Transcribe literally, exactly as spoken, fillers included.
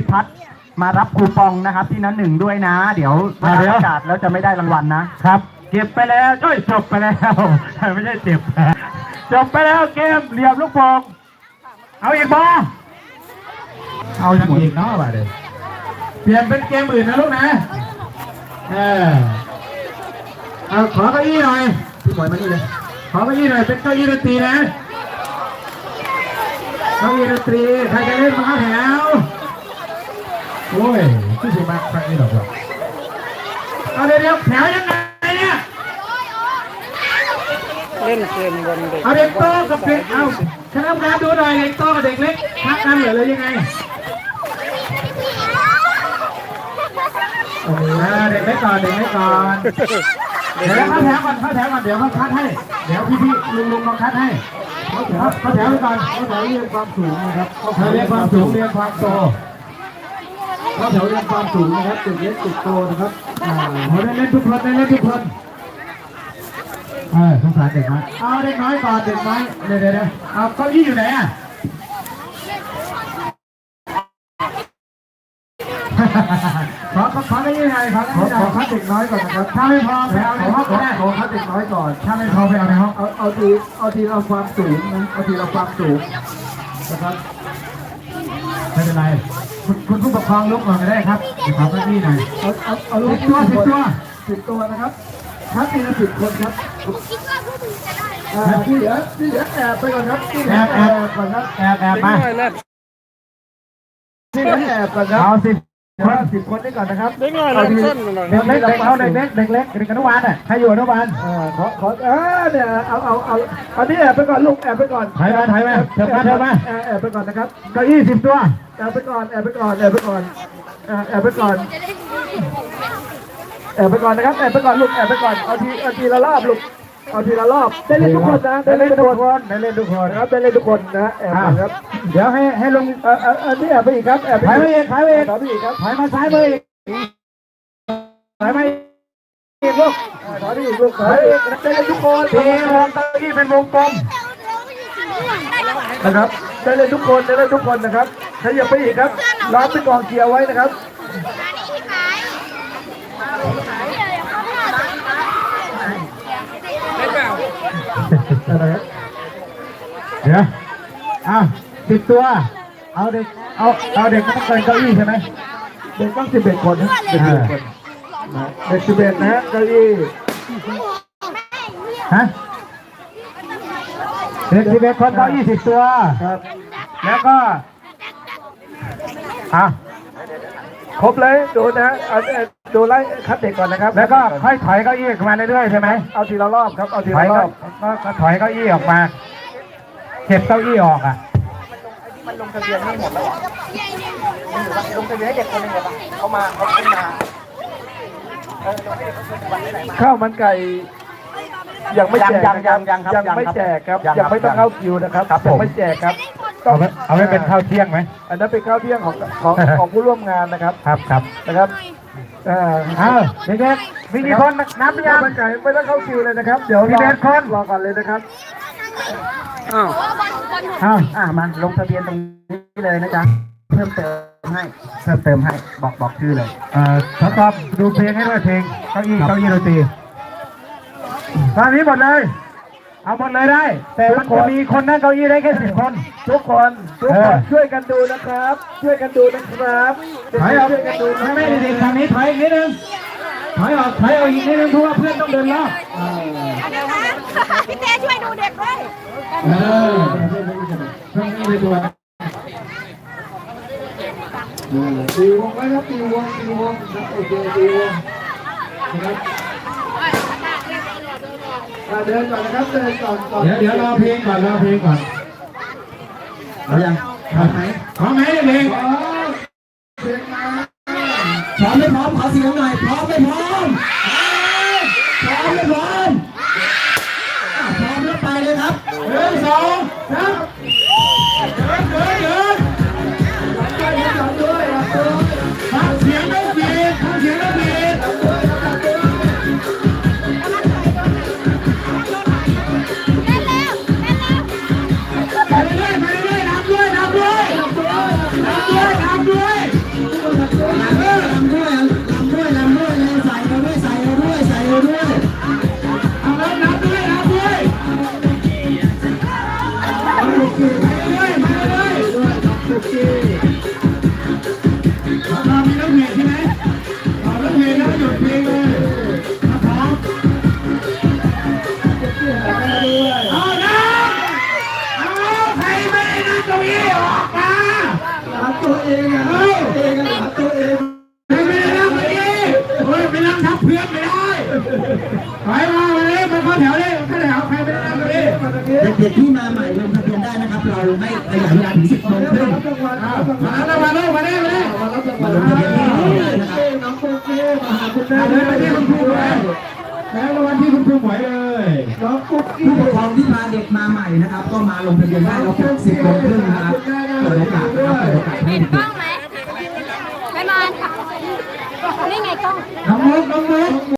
พัฒน์มารับคูปองนะครับที่นั้นหนึ่งด้วยนะเดี๋ยวประกาศแล้วจะไม่ได้รางวัลนะครับเก็บไปแล้วจ้อยจบไปแล้วไม่ใช่เจ็บจบไปแล้วเกมเหลี่ยมลูกโป่งเอาอีกบอเอาอย่างอีกเนาะบ่าเดี๋ยวเปลี่ยนเป็นเกมอื่นนะลูกนะเออเอาขอเก้าอี้หน่อยพี่บอยมานี่เลยขอเก้าอี้หน่อยเป็นเก้าอี้ดนตรีนะเก้าอี้ดนตรีใครจะเล่นมาแถวโอ้ยที่สุดมากครั้งนี้หรอกเอาเดี๋ยวเดี๋ยวแถวยังไงเนี่ยเล่นเกมบนเด็กเอาเด็กโตกับเด็กเอาคณะกรรมการดูหน่อยเด็กโตกับเด็กเล็กทักกันเหรอเลยยังไงโอ้โหเด็กเล็กก่อนเด็กเล็กก่อนเดี๋ยวเข้าแถวก่อนเข้าแถวก่อนเดี๋ยวเขาคัดให้เดี๋ยวพี่พี่ลุงลุงมาคัดให้เขาแถวเขาแถวไปก่อนเขาแถวเรียนความสูงนะครับเขาเรียนความสูงเรียนความโตเขาแถวเรียนความสูงนะครับตึกเล็กตึกโตนะครับอ่าเขาได้เล่นทุกคนได้เล่นทุกคนเออสงสารเด็กน้อยเอาเด็กน้อยก่อนเด็กน้อยเดี๋ยวเดี๋ยวเอาเก้าอี้อยู่ไหนอ่ะขอขอขอไม่ยังไงครับขอขอคัดเด็กน้อยก่อนนะครับถ้าไม่พอไปเอาในห้องก็ได้ขอคัดเด็กน้อยก่อนถ้าไม่พอไปเอาในห้องเอาเอาทีเอาทีเราความสูงนะเอาทีเราความสูงนะครับไม่เป็นไรคุณคุณผู้ปกครองลุกก่อนก็ได้ครับขอเก้าอี้หน่อยเอาเอาเอาลูกตัวสิบตัวสิบตัวนะครับคัดทีละสิบคนครับที่เหลือที่เหลือแอบไปก่อนครับที่เหลือแอบก่อนครับแอบแอบมาที่เหลือแอบก่อนครับเอาสิบคนสิบคนได้ก่อนนะครับเด็กน้อยเล่นส้นหน่อยเด็กเล็กเด็กเขาเด็กเล็กเด็กเล็กเด็กอนุบาลอ่ะใครอยู่อนุบาลอ่าขอขอเออเนี่ยเอาเอาเอาอันนี้แอบไปก่อนลูกแอบไปก่อนถ่ายมาถ่ายมาเถิบมาเถิบมาแอบไปก่อนนะครับเก้าอี้สิบตัวแอบไปก่อนแอบไปก่อนแอบไปก่อนแอบไปก่อนแอบไปก่อนนะครับแอบไปก่อนลูกแอบไปก่อนเอาทีเอาทีละรอบลูกเอาทีละรอบได้เล่นทุกคนนะได้เล่นทุกคนได้เล่นทุกคนครับได้เล่นทุกคนนะแอบครับเดี๋ยวให้ให้ลงเออเออนี่แอบไปอีกครับแอบไปอีกถ่ายไปอีกถ่ายไปอีกครับถ่ายมาซ้ายมืออีกถ่ายมาอีกลูกถ่ายไปอีกลูกถ่ายไปอีกได้เล่นทุกคนทีวงตะกี้เป็นวงกลมนะครับได้เล่นทุกคนได้เล่นทุกคนนะครับขยับไปอีกครับล้อมเป็นกองเกียร์ไว้นะครับเดี๋ยวเอาสิบตัวเอาเด็กเอาเอาเด็กต้องเกินเก้าอี้ใช่ไหมเด็กต้องสิบเอ็ดคนนะเด็กสิบเอ็ดคนเด็กสิบเอ็ดนะเก้าอี้ฮะเด็กสิบเอ็ดคนเก้าอี้สิบตัวครับแล้วก็อ่ะครบเลยดูนะดูไล่คัดเด็กก่อนนะครับแล้วก็ค่อยถอยเก้าอี้มาเรื่อยๆใช่ไหมเอาทีละรอบครับเอาทีละรอบก็ถอยเก้าอี้ออกมาเก็บเก้าอี้ออกอ่ะมันลงทะเบียนไม่หมดแล้วลงทะเบียนให้เด็กคนนึงเลยปะเขามาเขาขึ้นมาข้าวมันไก่ยังไม่แจกยังยังยังยังไม่แจกครับยังไม่ต้องเข้าคิวนะครับยังไม่แจกครับเอาเอาไว้เป็นข้าวเที่ยงไหมอันนั้นเป็นข้าวเที่ยงของของของผู้ร่วมงานนะครับครับครับนะครับเออเอาเด็กๆมีกี่คนนับหรือยังไก่ไม่ต้องเข้าคิวเลยนะครับเดี๋ยวมีเด็กคนรอก่อนเลยนะครับอ้าวอ้าวอ่ามาลงทะเบียนตรงนี้เลยนะจ๊ะเพิ่มเติมให้เพิ่มเติมให้บอกบอกชื่อเลยเอ่อทดสอบดูเพลงให้ด้วยเพลงเก้าอี้เก้าอี้ดนตรีตอนนี้หมดเลยเอาหมดเลยได้แต่มันจะมีคนนั่งเก้าอี้ได้แค่สิบคนทุกคนทุกคนช่วยกันดูนะครับช่วยกันดูนะครับถอยออกช่วยกันดูไม่ไม่เด็กทางนี้ถอยอีกนิดนึงถอยออกถอยออกอีกนิดนึงเพราะว่าเพื่อนต้องเดินรอบพี่เต้ช่วยดูเด็กด้วยเออเพื่อนไม่ได้ตัวตีวงไว้ครับตีวงตีวงโอเคตีวงนะครับเดินก่อนนะครับเดินก่อนเดี๋ยวเดี๋ยวรอเพลงก่อนรอเพลงก่อนเอายังพร้อมไหมพร้อมไหมเพลงพร้อมไม่พร้อมขอเสียงหน่อยพร้อมไม่พร้อมพร้อมไม่พร้อมพร้อมแล้วไปเลยครับหนึ่งสองสามเดินเดินเดินฟังเสียงไม่เบียดฟังเสียงไม่เบียดไปเรื่อยไปเรื่อยนับด้วยนับด้วยนับด้วยนับด้วยตัวเองไม่ได้นั่งเมื่อกี้เฮ้ยไปนั่งทับเพื่อนไม่ได้ไปมามาเลยมาเข้าแถวเลยเข้าแถวใครไม่ได้นั่งเลยเด็กๆที่มาใหม่ลงทะเบียนได้นะครับเราไม่ขยายเวลาถึงสิบโมงครึ่งมาแล้วมาแล้วมาแล้วมาแล้วมาลงทะเบียนที่นี่นะครับน้องโอเคมาหาคุณแม่เลยไปที่คุณครูเลยแล้วรางวัลที่คุณครูหมวยเลยน้องกุ๊กกี้ผู้ปกครองที่พาเด็กมาใหม่นะครับ ก็มาลงทะเบียนได้เราถึงสิบโมงครึ่งนะครับเปิดโอกาสนะครับเปิดโอกาสให้เห็นเด็กล้อก งไหมไม่มาค่ะนี่ไงกล้องน้องมุกน้องมุก